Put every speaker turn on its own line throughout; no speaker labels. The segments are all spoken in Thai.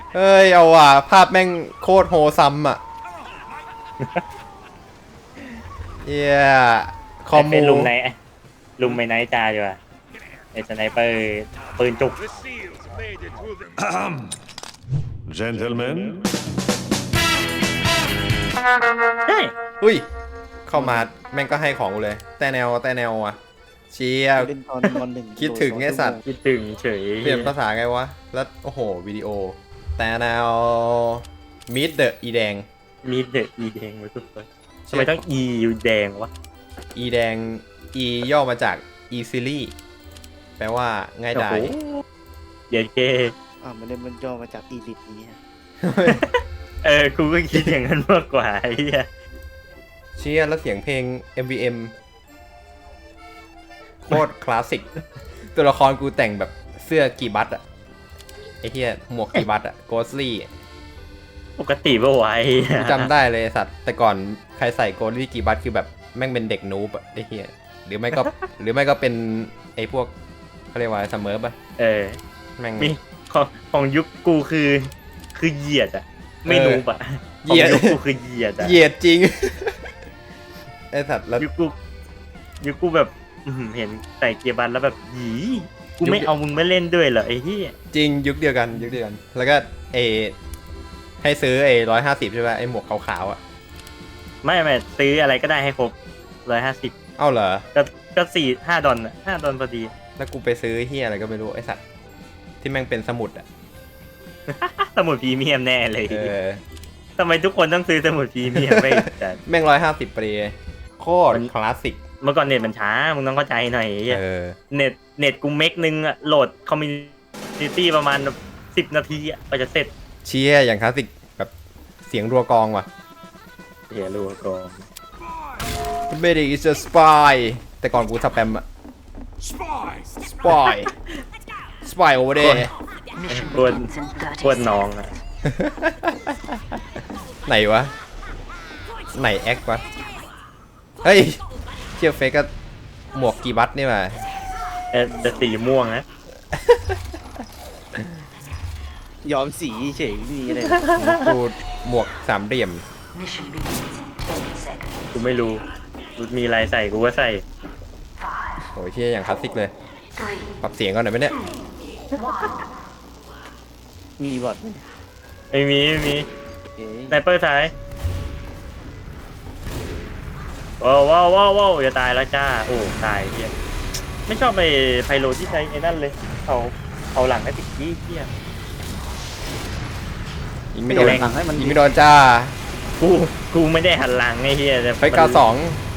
เอ้ยเอาว่ะภาพแม่งโคตรโฮซัมอ่ะเย้คอมมู
ลุมไม่ไนท์จ่าอยู่อะไอ้สไนเปอร์ปืนจุก
Gentlemen,
เฮ้ย
อุ้ยเข้ามาแม่งก็ให้ของกูเลยแต่แนวอ่ะเชียร์
เล่นตอนม .1
คิดถึงไอ้สัตว์
คิดถึงเฉย
เปลี่ยนภาษาไงวะแล้วโอ้โหวิดีโอแต่แนวมิดเดอะอีแดง
มีเดอะอีแดงไว้สุดเลยทำไมต้องอีอยู่แดงวะ
อีแดงอีย่อมาจาก easily แปลว่าง่ายดาย
โอ้โหเย็นเก
มันเล่นมันย่อมาจากอีลิทนี้ฮะ
กูก็คิดอย่างนั้นมากกว่าไอ้เหี้ย
เชียร์แล้วเสียงเพลง MVM โคตรคลาสสิกตัวละครกูแต่งแบบเสื้อกีบัตอะไอ้เหี้ยหมวกกีบัตอะโกสลี่
ปกติป่ะวะไอ้เหี้ย
จำได้เลยสัตว์แต่ก่อนใครใส่โกสลี่กีบัตคือแบบแม่งเป็นเด็กนูบอะไอ้เหี้ยหรือไม่ก็ หรือไม่ก็เป็นไอ้พวกเขาเรียกว่าเสมอปะ แม่ง
มีของยุคกูคือเหยียดอะไม่นูบอะ
เหยียด
ของยุคกูคือเหยียดอะ
เหยียดจริง ไอ้สัตว์แล้ว
ยุคกูแบบเห็นใส่เกียร์บันแล้วแบบหยีกูไม่เอามึงมาเล่นด้วยเหรอไอ้เหี้ย
จริงยุคเดียวกันแล้วก็เอให้ซื้อ150ใช่ป่ะไอ้หมวกขาวๆอ่ะ
ไม่ซื้ออะไรก็ได้ให้ครบ150
เอ้าเหรอ
ก็5 ดอลอะ5 ดอลพอดี
แล้วกูไปซื้อเฮียอะไรก็ไม่รู้ไอ้สัตว์ที่แม่งเป็นสมุดอ่ะ
สมุดพรีเมียมแน่เลย
เออ
ทำไมทุกคนต้องซื้อสมุดพรีเมียมไปแต่
แม่ง150ปรีโคตรคลาสสิก
เมื่อก่อนเน็ตมันช้ามึงต้องเข้าใจหน่อยไอ้เหี้ย
เออ
เน็ตกูเมกนึงอะโหลดคอมมูนิตี้ประมาณ10 นาทีอะก็จะเสร็จ
เชียร์อย่างคลาสสิกแบบเสียงรัวกองว่ะ
เฮียรู้ก่อน
Medic is a spy แต่ก่อนกูสแปมอะ spy spy over there
กวนน้องอะ
ไหนวะไหนแอควะเฮ้ยเชี่ยเฟกก็หมวกกีบัตนี่มา
จะสีม่วงนะ
ยอมสีเฉยนี่เลย
กูหมวกสามเหลี่ยม
กูไม่รู้มีอะไรใส่กูก็ใส่
โอ้ยเชี่ยอย่างคลาสสิกเลย ปรับเสียงก่อนหน่อยไหมเนี่ย
มีบอทไหม
ไม่มี
เอ๊ะ
สไนเปอร์ซ้ายว้าวจะตายแล้วจ้าโอ้ตายเฮียไม่ชอบไปไพโลที่ใช้ไอ้นั่นเลยเขาหลังให้ติดขี้เฮีย
ยิงไม่โดน
แรง
ยิงไม่โดนจ้า
กูไม่ได้หันหลังไอ้เฮียแต่
เฮ้ย92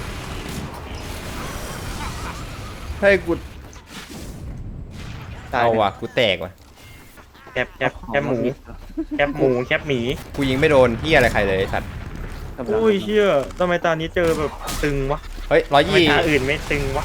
เฮ้ยกู
ตาย
เอาว่ะกูแตกว่ะ
แคบหมูแคบหมี
กูยิงไม่โดนที่อะไรใครเลยไอ้สัตว์
อุ้ยเชี่ยทำไมตอนนี้เจอแบบตึงวะ
เฮ้ย
ทำไมตาอื่นไม่ตึงวะ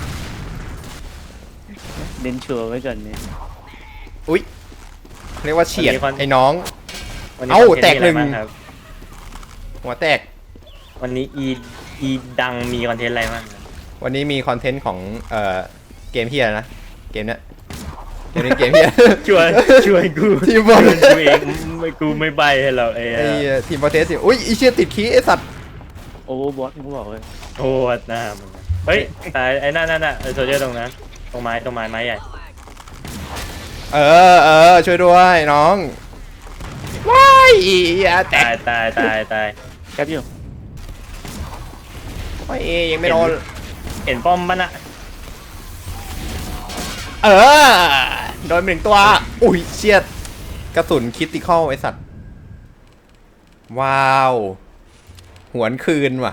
เน้นชัวร์ไว้ก่อนเนี่ย
อุ้ยเรียกว่าเฉียดไอ้น้อง
วันนี้
เอ้า
คอนเท
แตก
ต์
หนึ่ง
มีอะไรบ้าครับ
หัวแตก
วันนี้อีดังมีคอนเทนต์อะไรบ้างครับ
วันนี้มีคอนเทนต์ของเกมเฮียนะเกมเนี้ยเกมเฮีย
ช่วยกู
ทีมบอล
กูเองกูไม่ใบให้เราไอ้
ไอ้ทีมบอลเทสสิอุ้ยไอเชี่ยติดขี้ไอสัตว์
โอเวอร์บอทมึงบอกเลย
โอ้หน้ามึงเฮ้ยตายไอ้นั่นไอ้โซเจอร์ตรงนั้นตรงไม้ใหญ่
เออช่วยด้วยน้องว้ายอย่าแต
ตาก ย
แคปอยู่
โอ้ยยังไม่โดน
เห็นป้อมมันอะ
เออโดนไปหนึ่งตัวอุ้ยเชี่ยกระสุนคิดติคอลไอสัตว์ว้าวหวนคืนว่ะ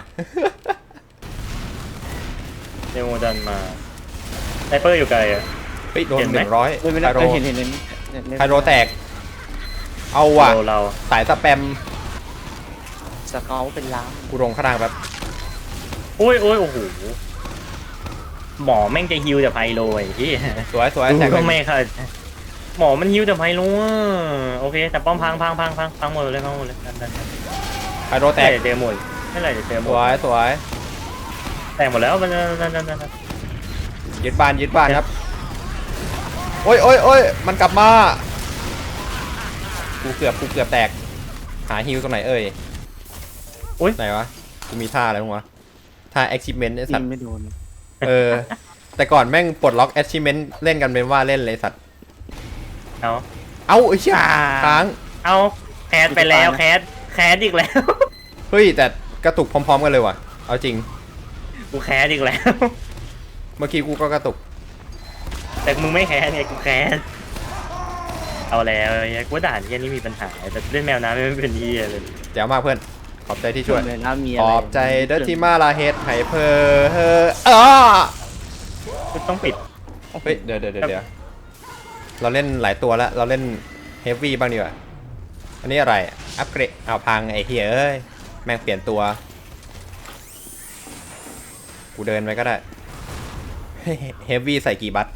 เดโมดันมาไนเปอร์อยู่ไกลอะ
เฮ้ยโดน
เห็นไหม
100
ไม่
ไค
ได้
โร
เห็น
ไคโรแตกเอาว่ะ
เรา
สายสแปม
สเกลเป็นล้าน
กูลงข้างล่างแบบ
โอ้ยโอ้โหหมอแม่งจะฮิวแต่ไพโลไอ้ที่
สวย
กู
แตก
ก็ไม่ค่ะหมอมันฮิวแต่ไพโลอะโอเคแต่ป้อมพังหมดเลยนั่น
ไคโรแตก
เจอหมดไม่ไรเจอหม
ส
ด
วย
แตกหมดแล้วมันนั่น
ยึดบ้านครับโอ้ยมันกลับมากูเกือบแตกหาฮิวตรงไหนเอ่ย
โอ๊ย
ไหนวะกูมีท่าอะไรบ้างวะท่า achievement ไอ้สั
ยิ
ต
ง
ว์
ไม่โดน
แต่ก่อนแม่งปลดล็อก achievement เล่นกันเป็นว่าเล่นเลยสัตว์
เอา
เอ้าไอ้เชี่ยค้าง
เอาแคสไปแล้วแคสอีกแล้ว
เฮ้ยแต่กระตุกพร้อมๆกันเลยว่ะเอาจริง
กูแคสอีกแล้ว
เมื่อกี้กูก็กระตุก
แต่มึงไม่แคสเนี่ยกูแคสเอาแล้วไอ้กูว่าด่านที่นี่มีปัญหาแต่เล่นแมวน้ำไม่เป็นที่เลย
แจ๋วมากเพื่อนขอบใจที่ช่วย
เลยนะมี
ข
อะไร
อบใจเดอร์ที่มาลาเฮดไฮเพอร์อ้า
กูต้องปิด
เฮ้ยเดี๋ยวเราเล่นหลายตัวแล้วเราเล่นเฮฟวี่บ้างดีกว่าอันนี้อะไรอัปเกรดเอาพังไอ้เหี้ยเอ้ยแม่งเปลี่ยนตัวกูเดินไปก็ได้เฮฟวี่ใส่กี่บัต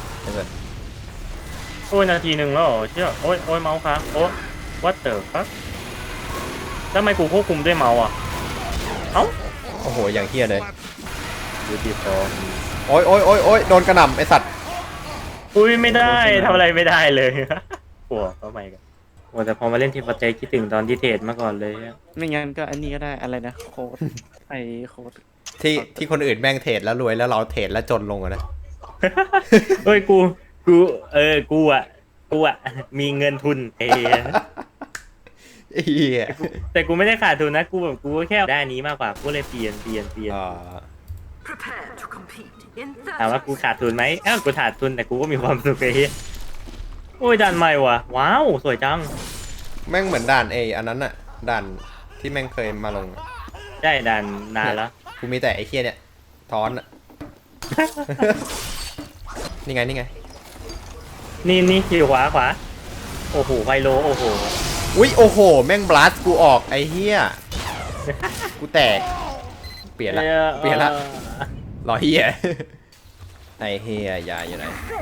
โอ้ยนาทีหนึ่งแล้วเหรอเชื่อโอ้ยเมาส์ค้างโอ้วัดเตอร์ครับทำไมกูควบคุมด้วยเมาส์อ่ะเอ้า
โอ้โหอย่างเหี้ยเลย
ดูดีฟอร์ม
โอ้ยโดนกระหน่ำไอสัตว์
อุ้ยไม่ได้ทำอะไรไม่ได้เลยปวดเข้าไปกันโอ้แต่พอมาเล่นทีมประเจคิดถึงตอนที่เทรดมาก่อนเลย
ไม่งั้นก็อันนี้ก็ได้อะไรนะโค้ดไอโค้ด
ที่คนอื่นแม่งเทรดแล้วรวยแล้วเราเทรดแล้วจนลงอะนะ
เฮ้ยกูกูอ่ะมีเงินทุน
เหี้ย
แต่กูไม่ได้ขาดทุนนะกูแบบกูก็แค่ได้อันนี้มากกว่ากูเลยเปลี่ยน
อ่า
ถามว่ากูขาดทุนไหมอ้าวกูขาดทุนแต่กูก็มีความสุขไอ้เหี้ยโอ้ยด่านใหม่ว่ะว้าวสวยจัง
แม่งเหมือนด่านอันนั้นอะด่านที่แม่งเคยมาลงอะ
ได้ด่านนานแล้ว
กูมีแต่ไอ้เหี้ยเนี่ยทอนอะ นี่ไง
นี่อยู่ขวาโอ้โหไพโลโอ้โห
อุ้ยโอ้โหแม่งบลัสกูออกไอ้เหี้ยกูแตกเปลี่ยนละรอเหี้ยไอ้เหี้ยยาอยู่ไหน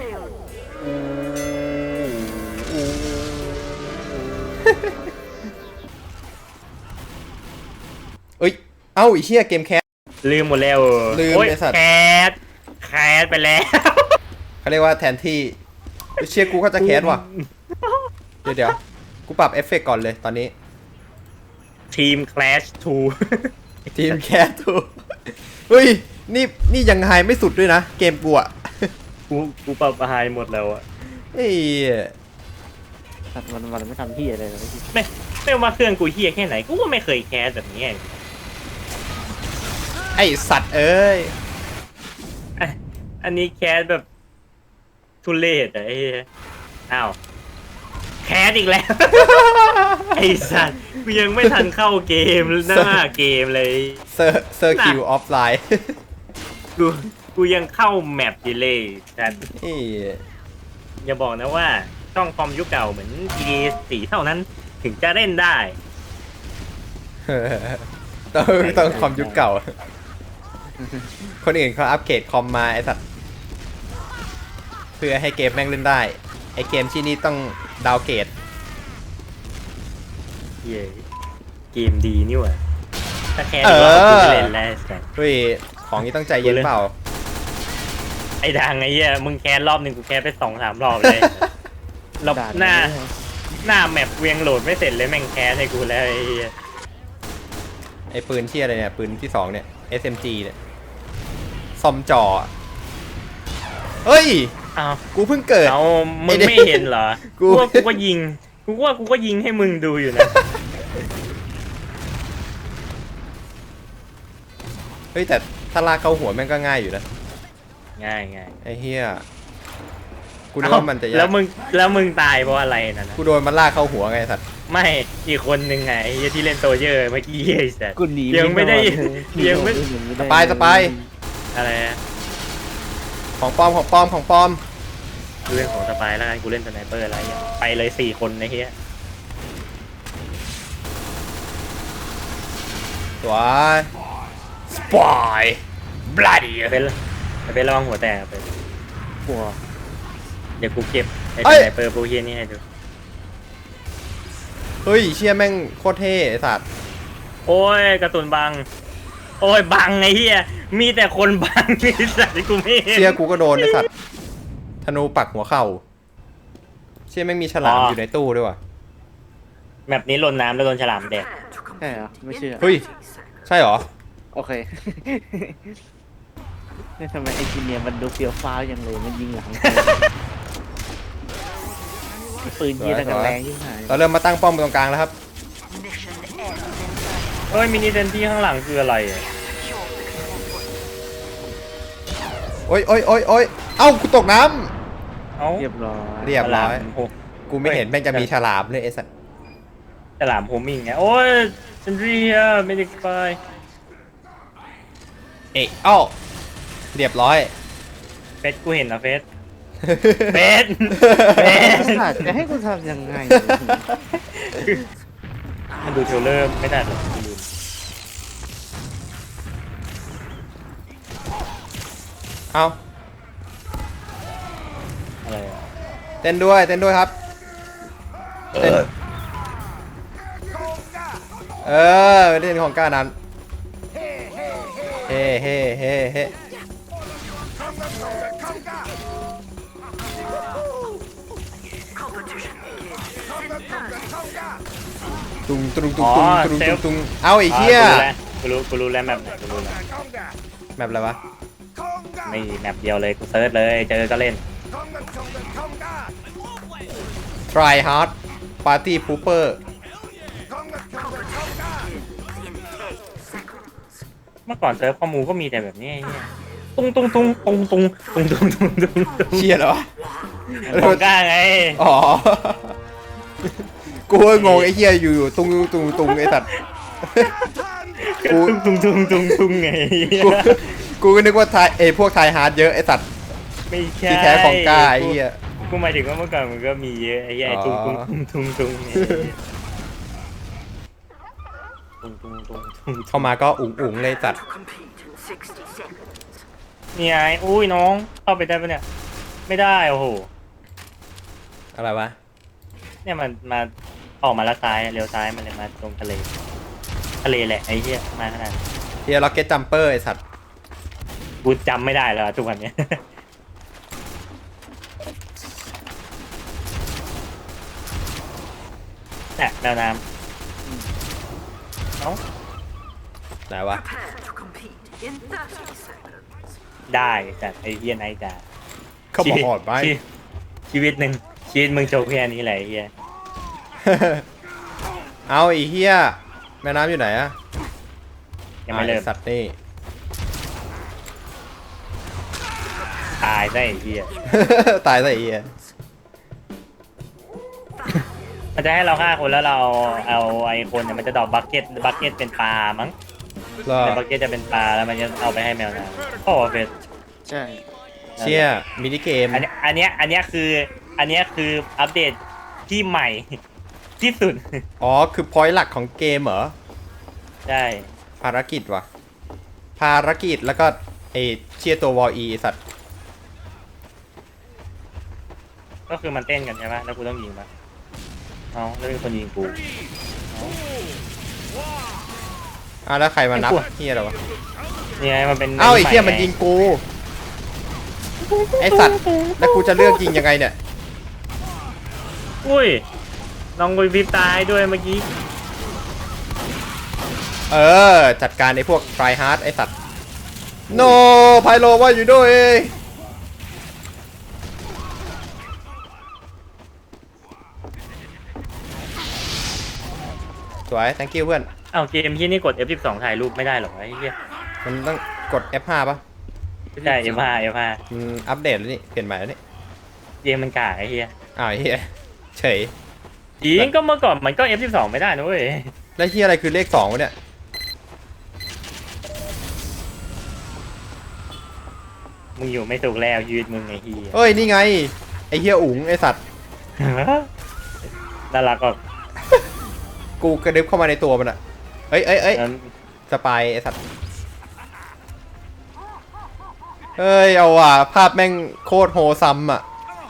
เอ้ยเอ้าไอ้เหี้ยเกมแคส
ลืมหมดแล้ว
ลืม
โอ้ย
ไอ้สัตว์
แคสไปแล้ว
เขาเรียกว่าแทนที่เชียกูก็จะแคสว่ะเดี๋ยวกูปรับเอฟเฟกต์ก่อนเลยตอนนี้
ทีม Clash
ทีมแคสถูกเฮ้ยนี่ยังไฮไม่สุดด้วยนะเกมกูอะ
2กูปรับไฮหมดแล้วอะ
เฮ้ย
ตัดวันไม่ทำที่อะไรเลย
ไม่ว่าเครื่องกูเฮี้ยแค่ไหนกูก็ไม่เคยแคสแบบนี้
ไอสัตว์เอ้ย
อันนี้แคสแบบทุเรศอะไอ้เหี้ยอ้าวแคสอีกแล้ว ไอ้สัตว์กูยังไม่ทันเข้าเกมหน้าเกมเลย
เซอร์คิวออฟไลน์
กูยังเข้าแมปดีเลยแต่อย่าบอกนะว่าช่องคอมยุคเก่าเหมือน GTA 4เท่านั้นถึงจะเล่นได้
ต้องคอมยุคเก่า คนอื่นเขาอัปเกรดคอมมาไอสัตว์เพื่อให้เกมแม่งเล่นได้ไอเกมที่นี่ต้องดาวเกรด
เย้เกมดีนี่หว่าถ้าแคสดีกว่ากูจะเล่นแล้วแต่
เฮ้ยของนี้ต้องใจเย็นเปล่า
ไอ้ดังไอ้เหี้ยมึงแคสรอบหนึ่งกูแคสไป2-3 รอบเลยรอบหน้าแมปเวียงโหลดไม่เสร็จเลยแม่งแคสให้กูแล้วไอ้เหี้ย
ไอปืนที่อะไรเนี่ยปืนที่2เนี่ย SMG เนี่ยซอมจอเฮ้ย
อ้าว
กูเพิ่งเกิด
เอามึงไม่เห็นเหรอ
กู
กูก็ยิงกูก็ยิงให้มึงดูอยู่นะ
เฮ้ยแต่ถ้าลากเข้าหัวแม่งก็ง่ายอยู่นะ
ง่าย
ไอ้เหี้ยกูนึกว่ามันจะยาก
แล้วมึงตายเพราะอะไรนะ
กูโดนมันลากเข้าหัวไงสัตว์
ไม่อีกคนหนึ่งไงไอ้เหี้ยที่เล่นโซเยอร์เมื่อกี้ไอ้สัส
กูหนี
ยังไม่ได้
สปาย
อะไรนะ
ของปลอม
กูเล่นของสปายแล้วกันกูเล่นสไนเปอร์อะไรอย่างไปเลย4 คนไอ้เหี้ย
ตัวสปายบลัดดี้
เป็นระวังหัวแตกไป
กลัว
เดี๋ยวกูเก็บไอ้สไนเปอร์พวกเหี้ยนี่ให้ดู
เฮ้ยเชี่ยแม่งโคตรเท่ไอ้สัตว์
โอ้ยกระตุนบังโอ้ยบังไอ้เหี้ยมีแต่คนบังไอ้สัสที่กูไม่เห็น
เชี่ยกูก็โดนไอ้สัตว์ธนูปักหัวเข่าเชี่ยแม่งมีฉลามอยู่ในตู้ด้วยว่ะ
แบบนี้ลนน้ำแล้วโดนฉลามแดก
ใช่เหรอไม่เชื่อ
เฮ้ยใช่เหรอ
โอเค นี่ทำไมไอจีเนียมันดูเฟี้ยวฟ้าวอย่างเลยมันยิงหลังปืนยิงแต่กันแรงยิ่งหาย
เราเริ่มมาตั้งป้อมตรงกลางแล้วครับ
เฮ้ยมินิเซนที่ข้างหลังคืออะไรอะ
โอ้ยโอ้ยโอ้ยโอ้ยเอ้ากูตกน้
เอ้า
เรียบร้อย
ำเรียบร้อย
ฉลามโห
กูไม่เห็นแม่งจะมีฉลามเลยไอ้สัส
ฉลามโฮมิ่งไงโอ้ยเซนทรีเฮียไม่ได้ไป
เอ๊ะเอ้าเรียบร้อย
เฟสกูเห็นนะเฟสเฟสเฟส
จะให้กูทำยังไง
มันดูเทรลเลอร์ไม่ได้หรอกลืม
เอ้า
อะไรอะ
เต้นด้วยเต้นด้วยครับเต้นเล่นของก้านั้นเฮ้เฮ้เฮ้เฮ้ตุงตุงตุงตุงตุงตุงตุงเอาไอ้เหี้ย
กูรู้แล้วแมปไหนกูรู้แล้ว
แบบอะไรวะ
ไม่แมปเดียวเลยกูเซิร์ชเลยเจอก็เล่น
try hard party pooper
เมื่อก่อนเซิร์ฟข้อมูลก็มีแต่แบบนี้ไอ้เหี้ยตุ้งตุ้งตุ้งตุ้งตุ้งตุ้งตุ้งตุ้งตุ้งตุ้ง
เชียเหรอ
ผมกล้าไง
อ๋อ กูก็งงไอ้เหี้ยอยู่ตุงตุงตุงไอ้สัตว์ กู
ตุ้งตุ้งตุ้งตุ้งตุ้งไง
กูกูก็นึกว่าไทยพวกไทยฮาร์ดเยอะไอ้สัตว์
ไม่ใช่
ที่แท้ของกล้าไอ้เหี้ย
กูหมายถึงว่าเมื่อก่อนมันก็มีเยอะไอ้เหี้ยไอ้ตุ้งตุ้งตุ้งตุ้งตุ้งตุ้งตุ้งตุ้งตุ้ง
เข้ามาก็อุ๋งอุ๋งเลยสัตว์
นี่ไงอุ้ยน้องเข้าไปได้ปะเนี่ยไม่ได้โอ้โห
อะไรวะ
เนี่ยมันมาออกมาละซ้ายเลี้ยวซ้ายมันเลยมาตรงทะเลแหละไอ้เหี้ยมาขนาดนั้น
เฮียล็อกเก็ตจัมเปอร์ไอ้สัตว์
กูจำไม่ได้แล้วทุกวันเนี้ย เนี่ยแมวน้ำเอ้า
ไหนวะ
ได้แต่ไอ้เหี้ยไนท์จ้า
เขาบอกหอดไหม
ชีวิตมึงโชว์แค่นี้แหละไอ้เหี้ย
เอาไอ้เฮียแม่น้ำอยู่ไหนอะ
ยังไม่เริ่ม
อ้สัตว์นี่
ตายซะไอ้เหี้ย
ตายซะไอ้เฮีย
มันจะให้เราฆ่าคนแล้วเราเอาไอ้คนเนี่ยมันจะดอกบักเก็ตเป็นปลามั้ง
รอ
ในบักเก็ตจะเป็นปลาแล้วมันจะเอาไปให้แมวน้ำโอ้เฟส
ใช่
เชี่ยมินิเกม
อันเนี้ยคืออัปเดตที่ใหม่ ที่สุด
อ๋อคือพอยต์หลักของเกมเหรอ
ใช่
ภารกิจวะภารกิจแล้วก็ไอเชียตัววออีสัตว์
ก็คือมันเต้นกันใช่ไหมแล้วกูต้องยิงมันเอาแล้วมีคนยิงกู
แล้วใครมานับ
ไอ้พวก
เฮียอะไรวะ
นี่ไงมันเป็น
เอ้าไอ้เฮียมันยิงกูไอสัตว์แล้วกูจะเลือกยิงยังไงเนี่ย
อุ้ยน้องกุยวิบตายด้วยเมื่อกี้
จัดการไอพวกไฟฮาร์ดไอสัตว์โนไพโลว่าอยู่ด้วยสวย thank you เพื่อน
เอ้าเกมที่นี่กด F12 ถ่ายรูปไม่ได้หรอไอ้เหี้ย
มันต้องกด F5 ป่ะ
ไม่ใช่ F5
มันอัปเดตแล้วนี่ เปลี่ยนใหม่แล้วนี่
เกมมันกากไอ้เหี้ย
อ้าวไอ้เฮียเฉย
จริงก็เมื่อก่อนมันก็ F12 ไม่ได้นะเว้ย
แล้วเฮียอะไรคือเลข2วะเนี่ย
มึงอยู่ไม่ถูกแล้วยืดมึงไอ้เหี้ย
เอ้ย นี่ไง ไอเฮียอุ๋งไอสัตว์
น่ารักก็
กูกระดึบเข้ามาในตัวมันอะเอ้ย
นั้น
สปายไอสัตว์ เฮ้ย เอาว่ะ ภาพแม่งโคตรโฮซัมอะ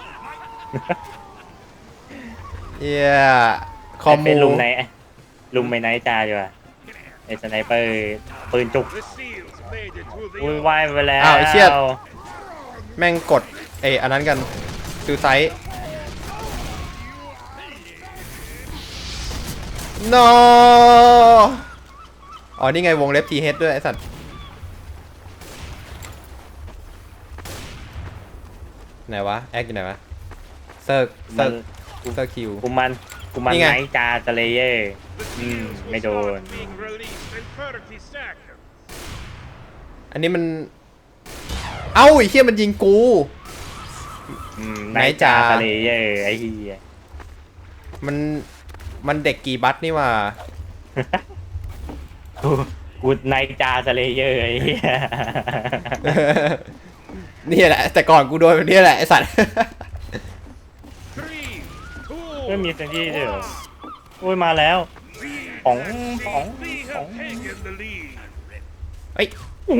เฮียคอม
เป็
มู
นลุงไม่ไนท์จ้าดีกว่าไอ้สไนเปอร์ปืนจุกอุ้ยว่ายไปแล้ว
อ้าวไอ้เชี่ย แม่งกดอันนั้นกันซูไซด์ no อ๋อนี่ไงวงเล็บ TH ด้วยไอ้สัตว์ไหนวะแอคอยู่ไหนวะเซิร์กคิว
กูมัน
นี่ไง
ไนท์จาสเลเยอร์ไม่โดน
Being released in 30 seconds.
อันนี้มันเอ้าไอ้เหี้ยมันยิงกู
ไนท์จาสเลเยอร์ไอ้เหี้ย
มันเด็กกี่บัตนี่ว่า
กูไนท์จาสเลเยอร์ไอ้เหี้ย
นี่แหละแต่ก่อนกูโดนแบบนี้แหละไอ้สัตว์
Three,
ไม่มี
two,
เซนที่ด้วยเหรอโอ้ยมาแล้วป๋อง
we have taken the lead.
เฮ้ย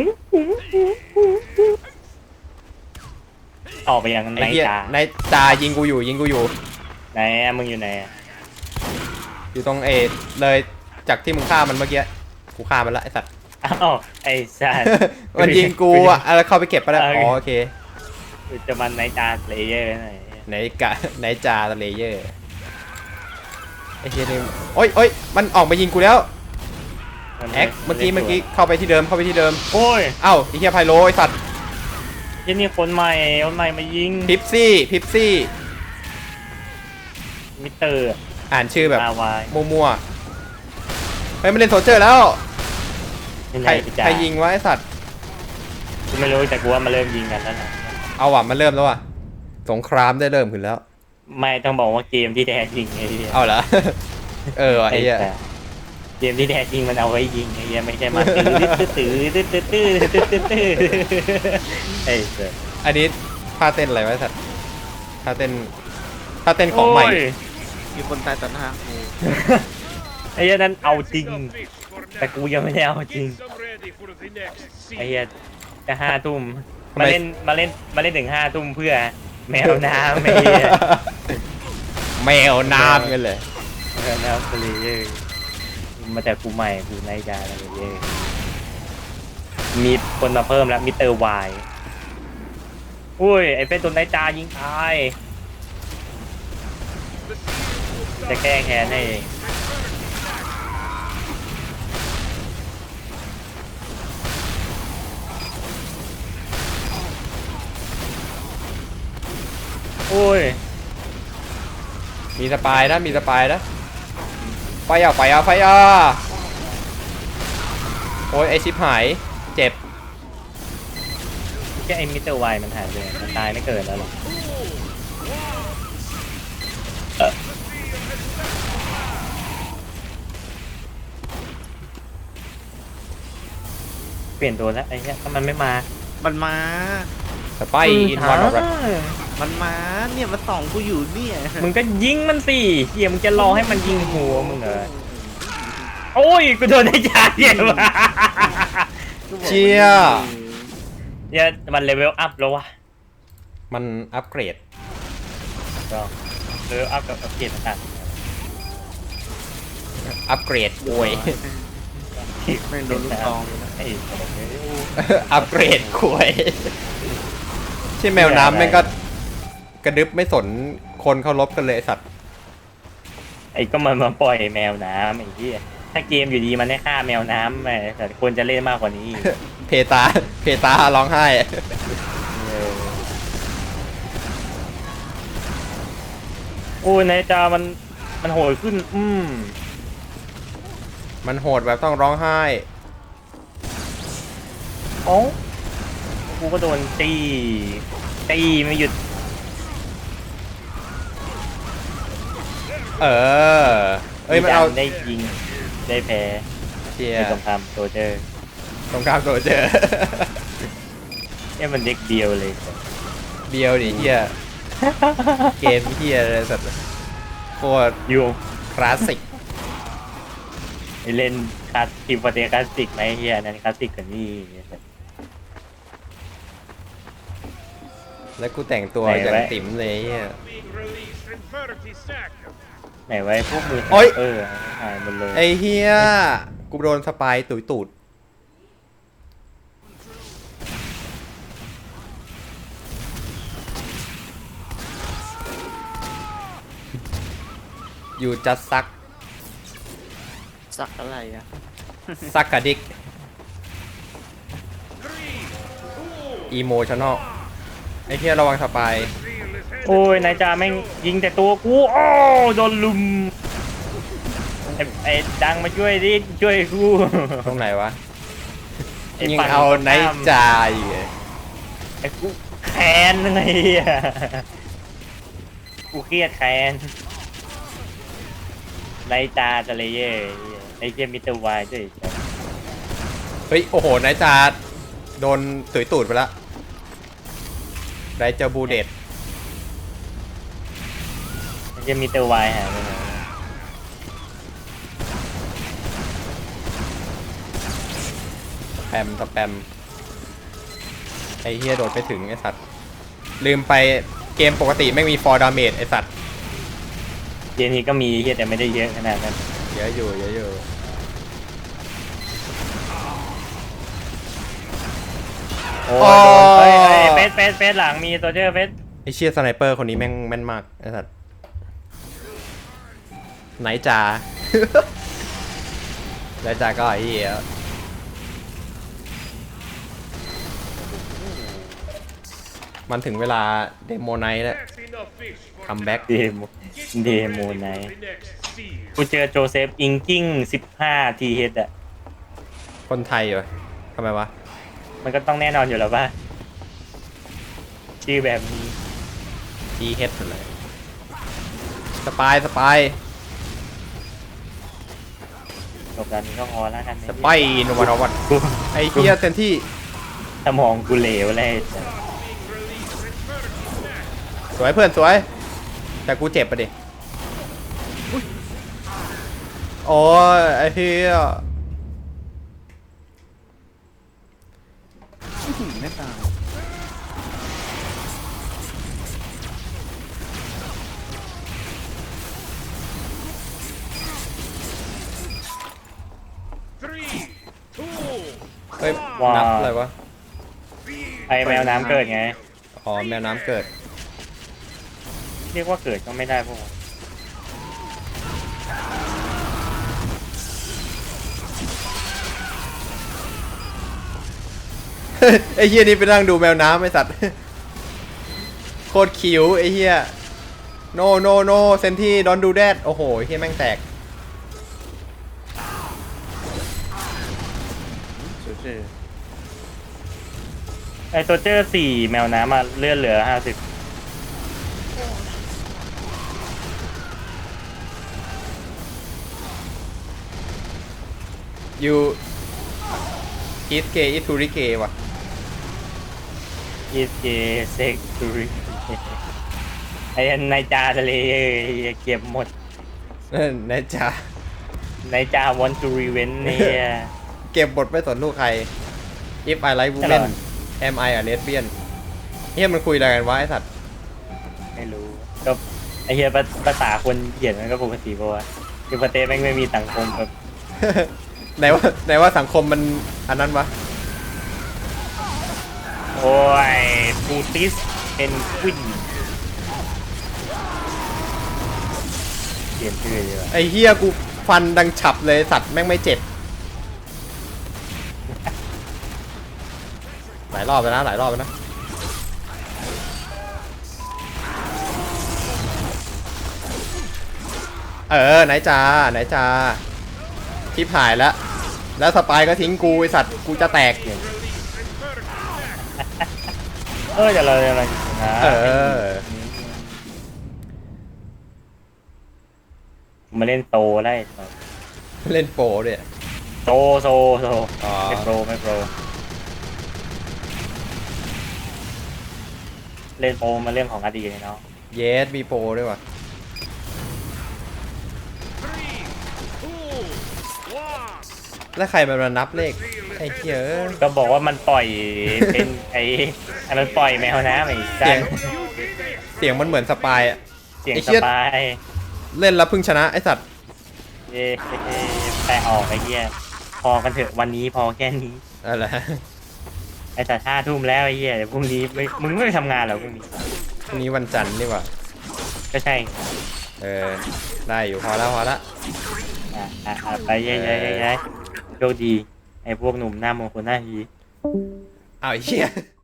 ออกไปยัง
ไอ้
ไน
เหี้ย
จา
ในจายิงกูอยู่
ไหนอะมึงอยู่ไหนอะ
อยู่ตรงเลยจากที่มึงฆ่ามันเมื่อกี้กูฆ่ามันละไอ้สัตว์
อ้าวไอ้สัส
มันยิงกูอ่ะแล้วเข้าไปเก็บไปแล้วอ๋อโอเค
กูจะมันไนจาเลเยอร์หน่อย
ไหนจาเลเยอร์ไอ้เหี้ยนี่โอ๊ยมันออกมายิงกูแล้วแอคเมื่อกี้เข้าไปที่เดิม
โอ้ย
เอ้าไอ้เหี้ยไพโลไอ้สัตว์
ยี่นี่คนใหม่มายิง
พิปซี่
มิเตอร์
อ่านชื่อแบบ
มาวาย
มั่วๆเฮ้ยมันเล่นโซเจอร์แล้ว
เป็น
ใคร
จ้า
ยิงวะไอ้สัตว์
กูไม่รู้แต่กูว่ามาเริ่มยิงกันแล้วนะ
เอาว่ะมันเริ่มแล้วว่ะสงครามได้เริ่มขึ้นแล้ว
ไม่ต้องบอกว่าเกมที่แท้จริงไอ้เหี้ย
เอาเหรอ เออว่ะไอ้เหี้ย
เกมที่แท้จริงมันเอาไว้ยิงไอ้เหี้ยไม่ใช่มาตื้อไอ้เสือ
อันนี้ท่าเต้นอะไรวะไอ้สัตว์ท่าเต้นของใหม่
มีคนตายต่อหน้ากู
ไอ้เหี้ยนั้นเอาจริง
Some fish for
แต่
now.
กูยังไม่ได้เอาจริง
Get some ready for the next
ไอ้
scene.
เหี้ยจะ5 ทุ่ม
ทำไม
มาเล่นถึง5 ทุ่มเพื่อแมวน้ำไอ้เหี้ย
แมวน้ำกันเลย
แมวน้ำทะเลเยอะมาแต่กูใหม่กูไนจาอะไรเยอะมีคนมาเพิ่มแล้วมิเตอร์วายอุ้ยไอ้เป็นตัวไนจายิงตายจะแก้แค้นให้เองโอ้ย
มีสปายนะไฟอ่ะโอ้ยไอชิปหายเจ็บ
แค่ไอ้มิเตอร์วายมันหายไปไหนมันตายไม่เกิดแล้วหรอเปลี่ยนตัวแล้วไอ้เนี้ยถ้ามันไม่มา
มันมา
สปายอินวันออฟ
มันมาเนี่ยมาส่องกูอยู่เนี่ย
มึงก็ยิงมันสิเฮียมึงจะรอให้มันยิงหัวมึงเหรอโอ้ยกูโดนไอ้จ่าเหี้ยว่ะ
เชีย
เนี่ยมันเลเวลอัพแล้ววะ
มันอัปเกรด
ก็เลเวลอัพกับอัพเกรดต่าง
อัปเกรดโวย
ๆ
ไม่โดนลูกซองเลยนะ
ไอ้สัตว์เอ้ย
อัปเกรดควยใช่แมวน้ำแม่งก็กระดึบไม่สนคนเขารบกันเลยไอ้สัตว์
ไอ้ก็มันมาปล่อยแมวน้ำไอ้เหี้ยถ้าเกมอยู่ดีมันได้ฆ่าแมวน้ำไอ้แต่ควรจะเล่นมากกว่านี้
เพตาร้องไห้
โอ้ยนายจามันโหดขึ้น
มันโหดแบบต้องร้องไห้
โอ้กูก็โดนตีไม่หยุด
เอ้ยมันเอา
ได้ยิงได้แพ้
เชีย
ในสงครามโซเจอร์
สงครามโซเจอร์
เนี่ยมันเด็กเดียวเลย
เดียวดิเฮียเกมเฮียเลยสัตว์โคตร
อยู่
คลาสสิก
ไปเล่นคลาสทีมโปรเตคลาสสิกไหมเฮียนั่นคลาสสิกกว่านี่
แล้วกูแต่งตัวอย่างติ๋มเลยเฮีย
Being released in 30 seconds.
ไหนไว้พวกมือ
โอ๊ย
หายหมดเลย
ไอเฮียกูโดนสปายตุยตูดอยู่จัดซัก
สักอะไรอะ
ซักกะดิก
3, 2,
อีโมชั่นอลไอ้เหี้ยระวังสปาย
seal is headed
โอ้ยนายจ่าแม่งยิงแต่ตัวกูโอ้โดนลุมไอ้ดังมาช่วยดิช่วยกู
ตรงไหนวะ
ไอ้
ยิง
ฝั่ง
เอา
ตรง
ไน
ข้าม
ท์จาอีก
ไอ้กูแค้นไงอ่ะกูเครียดแค้นไนจาทะเลเย่ไอ้เจมิสเตอร์วายด้วย
เฮ้ย โอ้โหไนท์จาโดนตุยตูดไปละไรเจอบูเดต
ไอ้เจมิสเตอร์วายหายไปไหน
สแปมไอ้เฮียโดดไปถึงไอ้สัตว์ลืมไปเกมปกติไม่มีฟอร์ดาเมจไอ้สัตว์
เกมนี้ก็มีเฮียแต่ไม่ได้เยอะขนาดนั้น
เยอะอยู่เยอะอยู่โอ้
โอ้ยโดนเฮ้ยเฟสหลังมีตัวเจอเฟส
ไอ้เชียสไนเปอร์คนนี้แม่งแม่นมากไอ้สัตว์ไหนจ่า ไหนจ่าก็ไอ้เหี้ยมันถึงเวลาเดโมไนท์แล้ว
That's enough fish for
คัมแบ็ก
เดโม
Get
เดโม
ready
ไน
for the next seal.
กูเจอโจเซฟอิงกิ้ง15 ทีเฮดอ่ะ
คนไทยเหรอทำไมวะ
มันก็ต้องแน่นอนอยู่แล้วป่ะชื่อแบบนี้
ทีเฮดเลยสปาย
จบการนี้ก็พอแล้วกัน
สปายนวันวัน
กู
ไอ้เหี้ยเต็มที่
สมองกูเหลวเลย
สวยเพื่อนสวย แต่กูเจ็บปะดิโอ้ยไอ้เหี้ย
ไม่ตาย
3, 2,
เฮ้ย
ว้าว
นับอะไรวะ
ไอแมวน้ำเกิดไง
อ๋อแมวน้ำเกิด
เรียกว่าเกิดก็ไม่ได้พวก
ไอ้เหี้ยนี่ไปนั่งดูแมวน้ำไอ้สัตว์ โคตรคิวไอ้เหี้ย โนเซนที่ดอนดูแดดโอ้โหไอ้เหี้ยแม่งแตก
เฉย
ไอตัวเจอ4แมวน้ำมาเลื่อนเหลือ50
ยูอีสเกอีทูริเกว่ะ
อีสเกเซ็กตูริไอ้นายจาทะเลเก็บหมด
นะจ๊ะ
นายจาวอนตูรีเวนเนี่ย
เก็บบทไม่สนลูกใคร if I like
ตล
women
อด
am I a lesbian เฮียมันคุยอะไรกันวะไอ้สัตว์
ไม่รู้ก็ไอเฮียภาษาคนเขียนมันก็ปกติป่าวะคือประเทศแม่งไม่มีสังคมแบบ
ไหนว่าสังคมมันอันนั้นวะ
โอ้ยปูติสเป็นควินเขียนชื่อดีกว่า
ไอ้เฮียกูฟันดังฉับเลยสัตว์แม่งไม่เจ็บ หลายรอบแล้วนะหลายรอบแล้วนะ ไหนจ้าทิพหายแล้ว แล้วสปายก็ทิ้งกูไอสัตว์กูจะแตก
เดี๋ยวเราจะมานะ มาเล่นโตได้
เล่นโปรด้วย
โต
อ๋อ
ไม่โปรเล่นโปรมาเรื่องของอดีตเนาะ
เยสมีโปรด้วยว่ะ แล้วใครมันมานับเลขไอ้เหี้ยเอ้ย
ก็บอกว่ามันปล่อยเป็นไอ้มันปล่อยแมวน้ำไอ้
เสียง เสียงมันเหมือนสปายอะ
เสียง
ไอ้
ส
เหี้ย
บาย
เล่นแล้วเพึ่งชนะไอสัตว์
เย้แปลออกไอ้เหี้ยพอกันเถอะวันนี้พอแค่นี้
อะไร
ไอ้แต่5 ทุ่มแล้วไอ้เหี้ยเดี๋ยวพรุ่งนี้มึงไม่ไปทำงานเหรอพรุ่งนี้
วันนี้วันจันทร์นี่หว่า
ก็ใช่
ได้อยู่พอแล้ว
อ่าไปย้ายโชคดีไอ้พวกหนุ่มหน้ามงคลหน้าฮี
อ้าวไอ้เหี้ย